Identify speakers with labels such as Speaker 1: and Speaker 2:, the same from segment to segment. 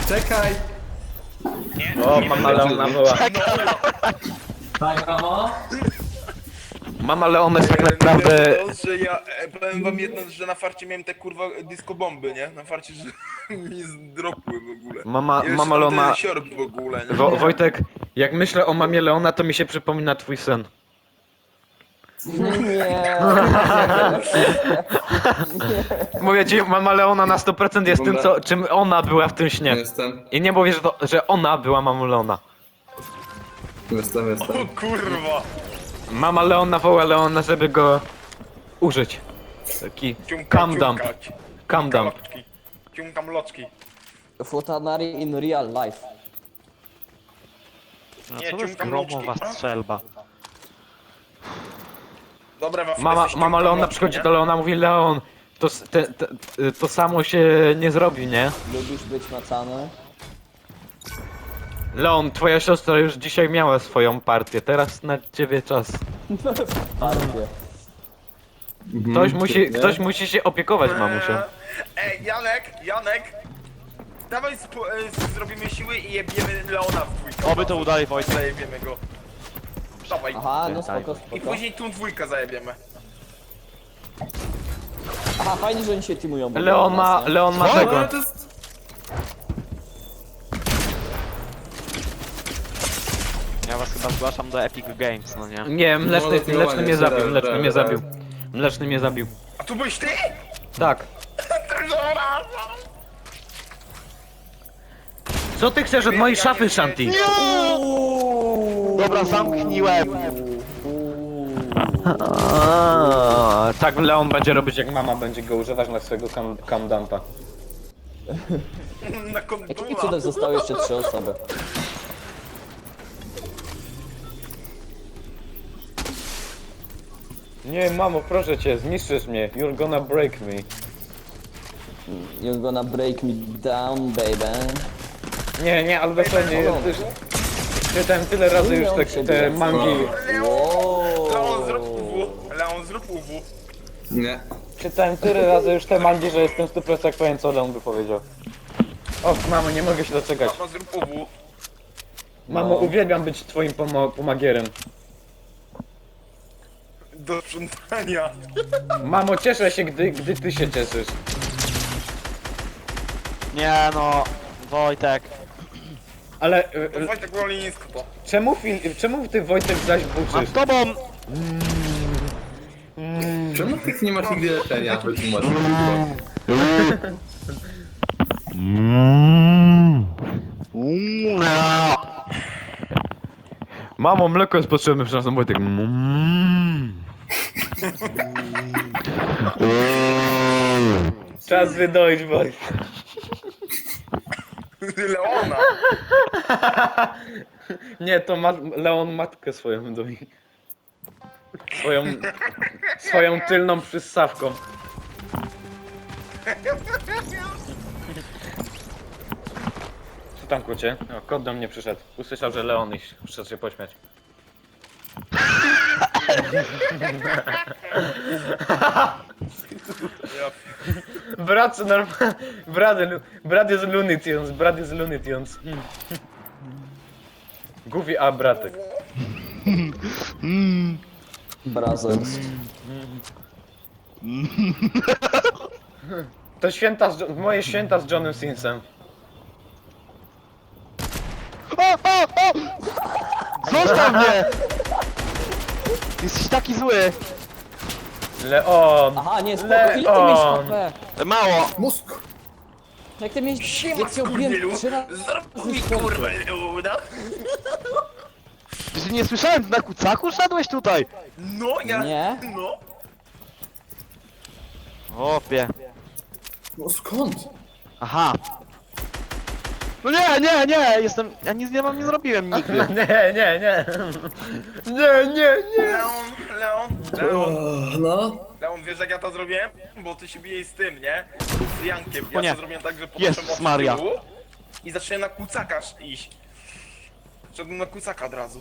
Speaker 1: Czekaj!
Speaker 2: O, mama Leona była.
Speaker 1: Tak, mamo?
Speaker 2: Mama Leona jest tak naprawdę...
Speaker 3: Że ja powiem wam jedno, że na farcie miałem te kurwa disco bomby, nie? Na farcie, że mi zdropły w ogóle.
Speaker 2: Mama
Speaker 3: Jeszcze
Speaker 2: Leona...
Speaker 3: ten siorb w ogóle, nie?
Speaker 2: Wojtek, jak myślę o mamie Leona, to mi się przypomina twój sen.
Speaker 4: Nie.
Speaker 2: Mówię ci, mama Leona na 100% jest tym, czym ona była w tym śnie.
Speaker 1: Jestem,
Speaker 2: I nie mówię, że ona była mamą Leona.
Speaker 1: jestem.
Speaker 3: O kurwa!
Speaker 2: Mama Leona woła Leona, żeby go użyć. Taki calm dump. Calm dump.
Speaker 3: Ciumkam loczki.
Speaker 4: Futanari in real life.
Speaker 3: Nie,
Speaker 5: Co to jest
Speaker 3: ciumkam
Speaker 5: gromowa
Speaker 3: loczki.
Speaker 5: strzelba?
Speaker 3: Dobra,
Speaker 2: Mama Leona przychodzi do Leona, mówi Leon, to samo się nie zrobi, nie?
Speaker 4: Lubisz być macany?
Speaker 2: Leon, twoja siostra już dzisiaj miała swoją partię, teraz na ciebie czas.
Speaker 4: Partie.
Speaker 2: Ktoś musi się opiekować mamusią.
Speaker 3: Ej, Janek! Dawaj zrobimy siły i jebiemy Leona w dwójkę.
Speaker 5: Oby to udali, Wojtek.
Speaker 3: Zajebiemy go. Dawaj.
Speaker 4: Aha, no spoko,
Speaker 3: I
Speaker 4: spoko.
Speaker 3: później tą dwójkę zajebiemy.
Speaker 4: Aha, fajnie, że oni się teamują. bo
Speaker 2: Leon ma
Speaker 4: nas, nie?
Speaker 2: tego.
Speaker 1: Ale to jest...
Speaker 5: Ja was chyba zgłaszam do Epic Games, no nie?
Speaker 2: Nie, mleczny mnie zabił,
Speaker 1: dobra,
Speaker 2: mleczny mnie
Speaker 1: dobra.
Speaker 2: zabił. Mleczny mnie zabił.
Speaker 3: A tu byłeś ty?
Speaker 2: Tak. Co ty chcesz od mojej szafy, Shanti?
Speaker 5: Dobra, zamkniłem!
Speaker 2: Tak Leon będzie robić, jak mama będzie go używać na swojego cam dumpa.
Speaker 3: Na
Speaker 4: Jakimi
Speaker 3: kondula.
Speaker 4: cudem zostały jeszcze 3 osoby?
Speaker 2: Nie, mamo, proszę cię, zniszczysz mnie. You're gonna break me.
Speaker 4: You're gonna break me down, baby.
Speaker 2: Nie, ale dosłownie, czytałem tyle razy już te mangi.
Speaker 3: Leon, zrób UW.
Speaker 1: Nie.
Speaker 2: Czytałem tyle razy już te mangi, że jestem 100% pewien, co Leon by powiedział. O, mamo, nie mogę się doczekać.
Speaker 3: Mama, zrób UW.
Speaker 2: Mamo, uwielbiam być twoim pomagierem.
Speaker 3: Do sprzątania.
Speaker 2: Mamo, cieszę się, gdy ty się cieszysz.
Speaker 5: Nie no, Wojtek.
Speaker 2: Ale
Speaker 3: Wojtek woli nisko to.
Speaker 2: czemu ty, Wojtek, zaś
Speaker 5: Mam
Speaker 2: buczysz?
Speaker 5: z tobą!
Speaker 1: Czemu ty nie masz nigdy leczenia? Wytłumacz.
Speaker 2: Mamo, mleko jest potrzebne, przepraszam, Wojtek. Czas wydoić, Wojtek.
Speaker 3: Leona.
Speaker 2: Nie, to Leon matkę swoją doi. Swoją tylną przyssawką. Co tam, kocie? O, kot do mnie przyszedł. Usłyszał, że Leon i przyszedł się pośmiać. Brat, brat jest Looney Tunes, brat jest Looney Tunes. Goofy, a bratek.
Speaker 4: Brothers.
Speaker 2: To moje święta z Johnem Sinsem.
Speaker 5: Zostaw mnie! Jesteś taki zły!
Speaker 2: Leon!
Speaker 4: Aha, nie, spoko, ile ty miałeś
Speaker 2: Leon!
Speaker 4: HP?
Speaker 5: Mało!
Speaker 1: Mózg!
Speaker 4: Jak ty miałeś...
Speaker 3: Siema,
Speaker 4: Jak cię obiłem
Speaker 3: skurwielu.
Speaker 4: 3 razy...
Speaker 3: Zrób mi kurwę Leona.
Speaker 5: Czy nie słyszałem, na kucaku szedłeś tutaj?
Speaker 3: No, ja...
Speaker 4: Nie?
Speaker 3: No.
Speaker 5: Opie.
Speaker 1: No skąd?
Speaker 5: Aha. No nie, jestem... Ja nic nie mam, nie zrobiłem nigdy.
Speaker 2: Nie.
Speaker 1: No.
Speaker 3: Leon, wiesz jak ja to zrobiłem? Bo ty się bijesz z tym, nie? Z Jankiem.
Speaker 5: O
Speaker 3: Ja
Speaker 5: nie.
Speaker 3: to zrobiłem tak, że
Speaker 5: Jezus
Speaker 3: podszedłem od
Speaker 5: Maria.
Speaker 3: tyłu i zacząłem na kucaka iść. Szedłem na kucaka od razu.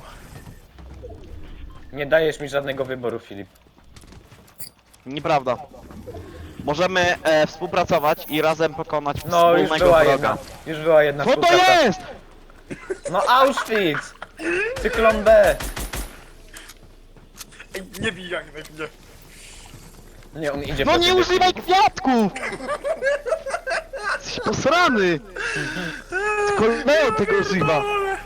Speaker 2: Nie dajesz mi żadnego wyboru, Filip.
Speaker 5: Nieprawda. możemy współpracować i razem pokonać
Speaker 2: No, już
Speaker 5: wspólnego
Speaker 2: była
Speaker 5: wroga.
Speaker 2: jedna. Już była jedna
Speaker 5: Co to
Speaker 2: współpraca.
Speaker 5: jest?
Speaker 2: No Auschwitz! Cyklon B!
Speaker 3: Ej, nie bij Janek, nie.
Speaker 2: Nie, on idzie
Speaker 5: No
Speaker 2: po
Speaker 5: nie
Speaker 2: ciebie.
Speaker 5: używaj kwiatków! Jesteś posrany! Kolejną tego używa!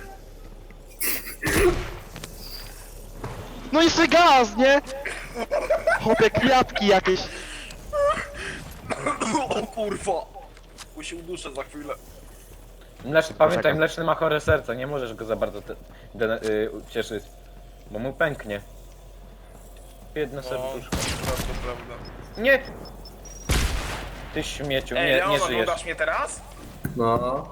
Speaker 5: No jeszcze gaz, nie? Chopie kwiatki jakieś.
Speaker 3: O kurwa! Bo się uduszę za chwilę.
Speaker 2: Pamiętaj, mleczny ma chore serce, nie możesz go za bardzo cieszyć. Bo mu pęknie. Biedne
Speaker 3: No,
Speaker 2: serduszko.
Speaker 3: to prawda.
Speaker 2: Nie! Ty śmieciu,
Speaker 3: Ej,
Speaker 2: nie
Speaker 3: Leon,
Speaker 2: żyjesz.
Speaker 3: oglądasz mnie teraz?
Speaker 1: No.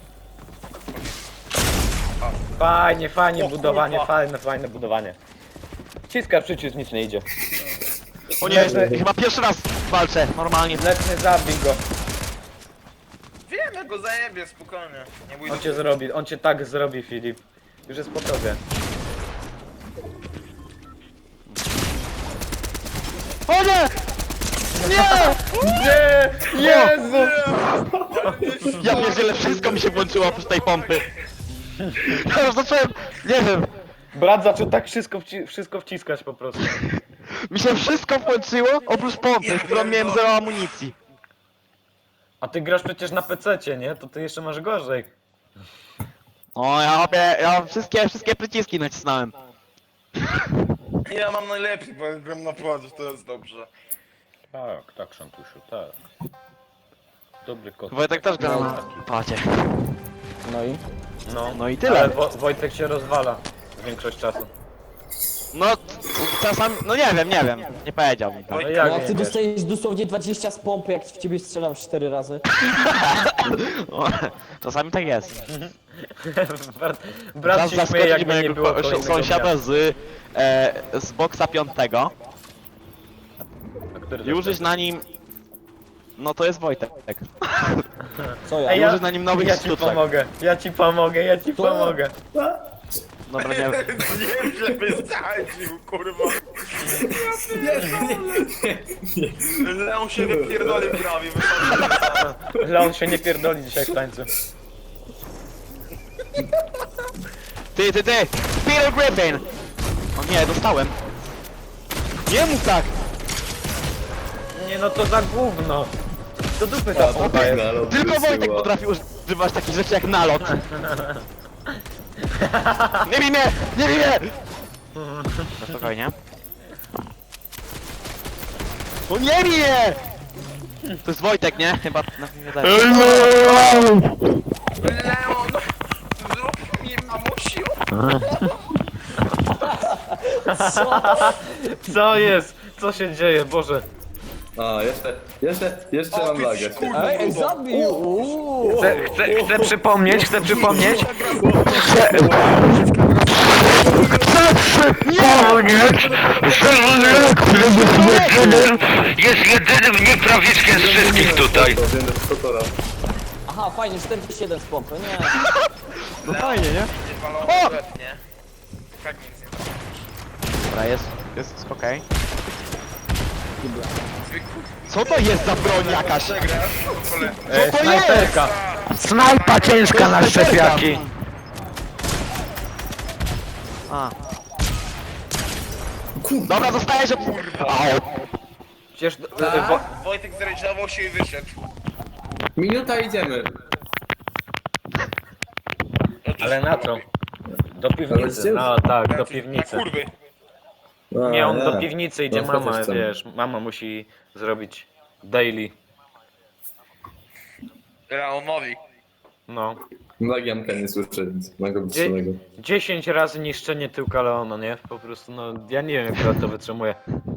Speaker 2: Fajnie, fajnie
Speaker 3: O
Speaker 2: budowanie,
Speaker 3: kurwa.
Speaker 2: fajne budowanie. Wciskasz przycisk, nic nie idzie.
Speaker 5: O nie, chyba pierwszy raz walczę, normalnie.
Speaker 2: Mleczny, zabij go.
Speaker 3: Wiem, ja go zajebię, spokojnie. Nie bój się.
Speaker 2: On cię tak zrobi, Filip. Już jest po tobie.
Speaker 5: O nie! Nie!
Speaker 2: Nie! Jezu!
Speaker 5: Ja pierdzielę, wszystko mi się włączyło oprócz tej pompy. Ja już zacząłem, nie wiem,
Speaker 2: Brat zaczął tak wszystko wciskać po prostu.
Speaker 5: mi się wszystko włączyło oprócz pompy, w którą miałem zero amunicji.
Speaker 2: A ty grasz przecież na PC-cie, nie? To ty jeszcze masz gorzej.
Speaker 5: O, ja wszystkie przyciski nacisnąłem.
Speaker 3: Ja mam najlepiej, bo gram na pładzie, to jest dobrze.
Speaker 2: Tak, Szantusiu, tak. Dobry kot.
Speaker 5: Wojtek też gra na padzie.
Speaker 4: No i?
Speaker 5: No i tyle.
Speaker 2: Ale Wojtek się rozwala większość czasu.
Speaker 5: No, czasami, no nie wiem, nie powiedział mi to.
Speaker 2: No
Speaker 3: Oj,
Speaker 2: jak
Speaker 4: No, jak
Speaker 2: nie
Speaker 4: ty
Speaker 2: wiesz?
Speaker 4: dostajesz dosłownie 20 z pompy, jak w ciebie strzelam 4 razy.
Speaker 5: O, czasami tak jest.
Speaker 2: Brat się śmieje, jakby nie było kolejnego
Speaker 5: sąsiada
Speaker 2: dnia.
Speaker 5: z boksa 5
Speaker 2: A który
Speaker 5: i
Speaker 2: to
Speaker 5: użyć
Speaker 2: jest?
Speaker 5: na nim... No to jest Wojtek.
Speaker 4: Co ja?
Speaker 2: Ej,
Speaker 5: użyć na nim nowych
Speaker 2: ja ci
Speaker 5: sztuczek.
Speaker 2: pomogę, ja ci pomogę.
Speaker 5: Dobra, nie
Speaker 3: Nie, żeby zdradził, kurwa. Leon się wypierdolił prawie, wystarczy.
Speaker 2: Leon się nie pierdoli dzisiaj w tańcu.
Speaker 5: Ty! Peter Griffin! O nie, dostałem. Nie mów tak!
Speaker 2: Nie no to za gówno. Do dupy ta pompa jest.
Speaker 5: Tylko Wojtek potrafi używać takich rzeczy jak nalot. Nie bij mnie! Nie bij mnie! No spokojnie. No nie bij mnie! To jest Wojtek, nie? Chyba na mnie wydaje.
Speaker 3: Leon! Zrób mi mamusiu!
Speaker 2: Co jest? Co się dzieje? Boże.
Speaker 1: A, jeszcze mam lagę.
Speaker 3: kurwa.
Speaker 4: Ej, zabił! Uuu.
Speaker 2: Chcę przypomnieć,
Speaker 6: Jest jedynym nieprawiczkiem z wszystkich tutaj.
Speaker 1: To wiem, że to
Speaker 4: Aha, fajnie, 47 z pompy, nie.
Speaker 5: No fajnie, nie?
Speaker 3: Nie walony w łeb, nie? Tak nic nie da.
Speaker 5: Dobra, jest okej. Co to jest za broń jakaś?
Speaker 3: Przegrasz, to pole.
Speaker 5: Co to jest?
Speaker 2: Snajperka. Snajpa ciężka na szczepiaki.
Speaker 5: A. Dobra, zostajesz że...
Speaker 2: Przecież
Speaker 3: Wojtek zrealizował się i wyszedł.
Speaker 1: Minuta idziemy.
Speaker 2: Ale na co? Do piwnicy. No tak, do piwnicy.
Speaker 3: Na kurwy.
Speaker 2: Nie, on do piwnicy idzie,
Speaker 1: No,
Speaker 2: mama,
Speaker 1: chcę.
Speaker 2: wiesz, mama musi zrobić daily.
Speaker 3: Leonowi.
Speaker 2: No.
Speaker 1: Lagianka nie słyszę, więc mogę być
Speaker 2: Dzie-
Speaker 1: samego.
Speaker 2: 10 razy niszczenie tyłka Leona, nie? Po prostu, no, ja nie wiem, jak on to wytrzymuje.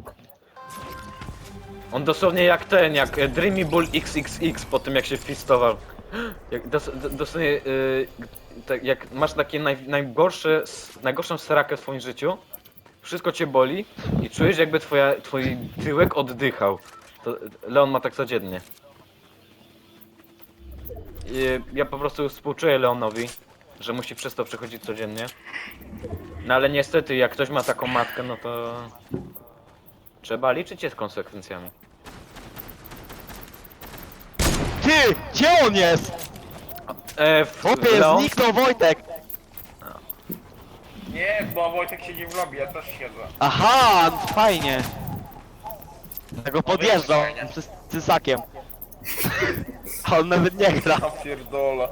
Speaker 2: On dosłownie jak Dreamy Bull XXX po tym, jak się wpistował. Jak dosłownie, tak, jak masz takie najgorszą srakę w swoim życiu, wszystko cię boli i czujesz, jakby twój tyłek oddychał. To Leon ma tak codziennie. I ja po prostu współczuję Leonowi, że musi przez to przechodzić codziennie. No ale niestety, jak ktoś ma taką matkę, no to trzeba liczyć się z konsekwencjami.
Speaker 5: Ty! Gdzie on jest? Chłopie,
Speaker 2: Leon?
Speaker 5: zniknął Wojtek!
Speaker 3: Nie, bo Wojtek siedzi w lobby, ja też siedzę.
Speaker 5: Aha, no to fajnie. Tego podjeżdżał z cysakiem. A on nawet nie gra.
Speaker 3: Ja pierdolę.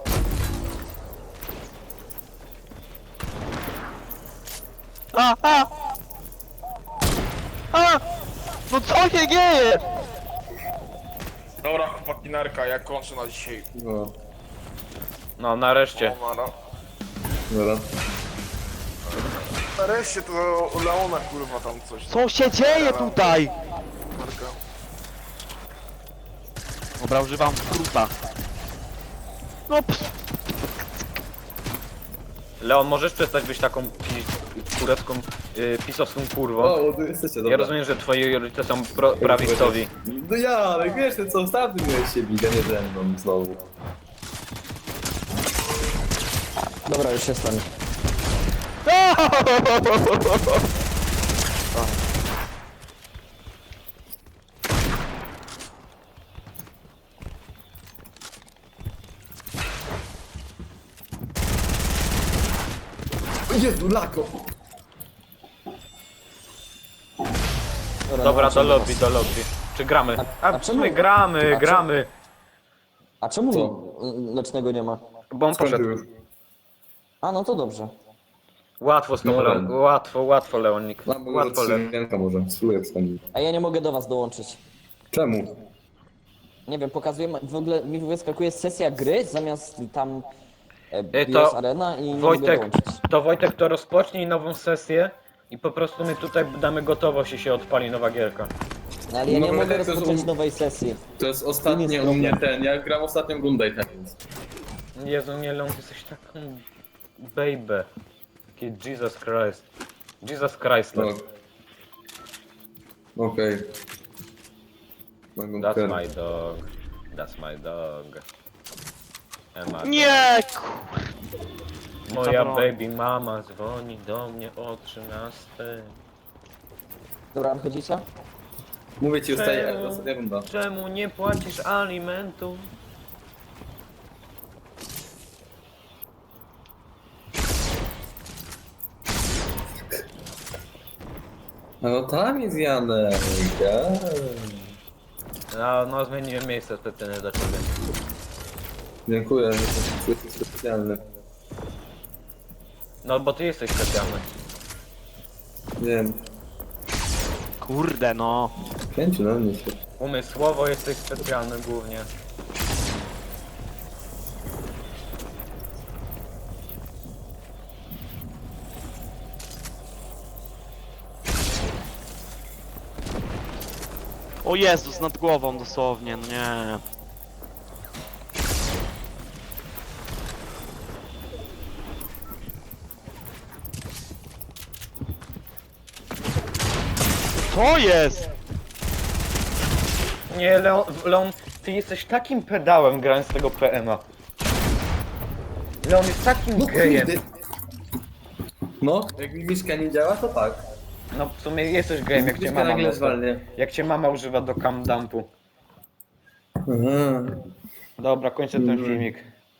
Speaker 5: A! No co się dzieje?
Speaker 3: Dobra, chłopaki, narka, ja kończę na dzisiaj.
Speaker 1: No,
Speaker 2: No nareszcie.
Speaker 3: O, nara.
Speaker 1: dobra.
Speaker 3: Nareszcie to Leona kurwa tam coś.
Speaker 5: Co się dzieje tutaj?
Speaker 3: Narka.
Speaker 5: Dobra, używam skróta. No
Speaker 2: Leon, możesz przestać być taką turecką, pisowską kurwą?
Speaker 1: O, tu jesteście, dobra.
Speaker 2: Ja rozumiem, że twoi rodzice są prawicowi.
Speaker 1: No ja, ale wiesz, ty co ostatnio miałeś się bić, a nie ze mną znowu.
Speaker 4: Dobra, już jestem.
Speaker 1: O Jezu, lako!
Speaker 2: Dobra,
Speaker 4: no,
Speaker 2: do lobby. Czy gramy?
Speaker 4: a
Speaker 2: A,
Speaker 4: czemu-
Speaker 2: my gramy,
Speaker 4: a
Speaker 2: gramy.
Speaker 4: A czemu
Speaker 1: Co?
Speaker 4: Lecznego nie ma?
Speaker 2: Bo on
Speaker 1: Skąd ty
Speaker 2: poszedł.
Speaker 1: już?
Speaker 4: A, no to dobrze.
Speaker 2: Łatwo z tobą,
Speaker 1: No,
Speaker 2: Leon. Łatwo, Leonik.
Speaker 1: No, bo
Speaker 2: Łatwo, Leon.
Speaker 1: ręka może, spróbuję wstąpić.
Speaker 4: A ja nie mogę do was dołączyć.
Speaker 1: Czemu?
Speaker 4: Nie wiem, pokazuje, w ogóle mi wyskakuje sesja gry zamiast tam
Speaker 2: to
Speaker 4: BS Arena i nie mogę
Speaker 2: Wojtek,
Speaker 4: dołączyć.
Speaker 2: to rozpocznij nową sesję i po prostu my tutaj damy gotowość i się odpali nowa gierka.
Speaker 4: No, ale ja
Speaker 1: No,
Speaker 4: nie
Speaker 1: bo
Speaker 4: mogę
Speaker 1: tak to
Speaker 4: rozpocząć
Speaker 1: są-
Speaker 4: nowej sesji.
Speaker 1: To jest ostatnie
Speaker 4: jest
Speaker 1: u mnie
Speaker 4: problem.
Speaker 1: ja gram ostatnią rundę i ten więc.
Speaker 2: Jezu, nie, Leon, ty jesteś taką baby. Taki Jesus Christ. Jesus Christ.
Speaker 1: No. Okej. Mogą
Speaker 2: That's
Speaker 1: ten-
Speaker 2: my dog. That's my dog. Emma.
Speaker 5: Nie!
Speaker 2: Moja
Speaker 5: broń.
Speaker 2: baby mama dzwoni do mnie o 13.
Speaker 4: Dobra, wychodzicie?
Speaker 1: Mówię ci, zostaje
Speaker 2: Czemu?
Speaker 1: ostatnia runda.
Speaker 2: Czemu nie płacisz alimentu?
Speaker 1: No tam jest Janek.
Speaker 2: No zmieniłem miejsce specjalnie dla ciebie.
Speaker 1: Dziękuję, jesteś specjalny.
Speaker 2: No bo ty jesteś specjalny.
Speaker 1: Wiem,
Speaker 5: Kurde no.
Speaker 1: pięciu na mnie się.
Speaker 2: Umysłowo jesteś specjalny głównie.
Speaker 5: O Jezus, nad głową dosłownie, no nie. Co jest?
Speaker 2: Nie, Leon, ty jesteś takim pedałem grając tego PM'a. Leon jest takim gejem.
Speaker 1: No, jak mi miszka nie działa, to tak.
Speaker 2: No w sumie jesteś gejem, jak cię
Speaker 1: Miszka
Speaker 2: mama
Speaker 1: nagle
Speaker 2: mocno-
Speaker 1: zwalnia.
Speaker 2: Jak cię mama używa do cam dumpu.
Speaker 1: Aha.
Speaker 2: Dobra, kończę ten filmik.